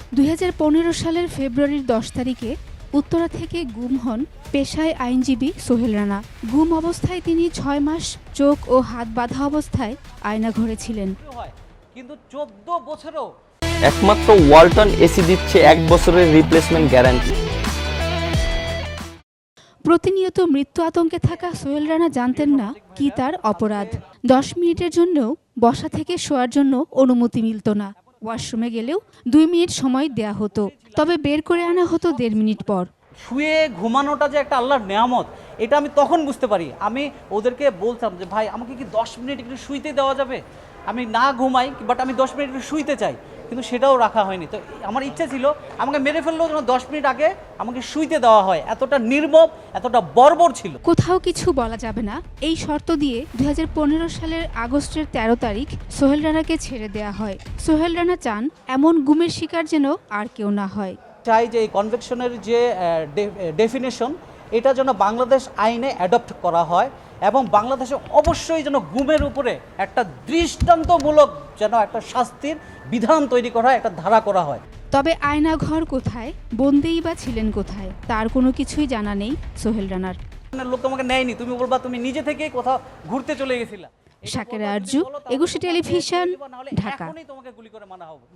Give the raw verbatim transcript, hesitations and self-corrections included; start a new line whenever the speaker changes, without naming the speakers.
দুই হাজার পনেরো সালের ফেব্রুয়ারির দশ তারিখে উত্তরা থেকে গুম হন পেশায় আইনজীবী সোহেল রানা। গুম অবস্থায় তিনি ছয় মাস চোখ ও হাত বাঁধা অবস্থায় আয়নাঘরে ছিলেন।
কিন্তু চোদ্দ বছরও
একমাত্র ওয়ালটন এসি দিচ্ছে এক বছরের রিপ্লেসমেন্ট গ্যারান্টি।
প্রতিনিয়ত মৃত্যু আতঙ্কে থাকা সোহেল রানা জানতেন না কি তার অপরাধ। দশ মিনিটের জন্যও বসা থেকে শোয়ার জন্য অনুমতি মিলত না। ওয়াশরুমে গেলেও দুই মিনিট সময় দেয়া হতো, তবে বের করে আনা হতো দেড় মিনিট পর।
শুয়ে ঘুমানোটা যে একটা আল্লাহর নেয়ামত, এটা আমি তখন বুঝতে পারি। আমি ওদেরকে বলতাম যে ভাই আমাকে কি দশ মিনিট একটু শুইতে দেওয়া যাবে, আমি না ঘুমাই বাট আমি দশ মিনিট একটু শুইতে চাই, কিন্তু সেটাও রাখা হয়নি। তো আমার ইচ্ছা ছিল আমাকে মেরে ফেললেও যেন দশ মিনিট আগে আমাকে শুইতে দেওয়া হয়। এতটা নির্মম, এতটা বর্বর ছিল।
কোথাও কিছু বলা যাবে না এই শর্ত দিয়ে দুই হাজার পনেরো সালের আগস্টের তেরো তারিখ সোহেল রানাকে ছেড়ে দেয়া হয়। সোহেল রানা চান এমন গুমের শিকার যেন আর কেউ না হয়।
চাই যে এই কনভেকশনের যে ডেফিনেশন, এটা যেন বাংলাদেশ আইনে অ্যাডপ্ট করা হয় এবং বাংলাদেশে অবশ্যই যেন গুমের উপরে একটা দৃষ্টান্তমূলক যেন একটা শাস্তির বিধান তৈরি করা হয়, একটা ধারা করা হয়।
তবে আয়নাঘর কোথায়, বন্দিই বা ছিলেন কোথায়, তার কোনো কিছুই জানা নেই সোহেল রানার।
লোক তোমাকে নেয়নি, তুমি বলবা তুমি নিজে থেকেই কোথাও ঘুরতে চলে গেছিলা।
শাকেরা আরজু, একুশে টেলিভিশন, ঢাকা।
এখনই তোমাকে গুলি করে মারা হবে।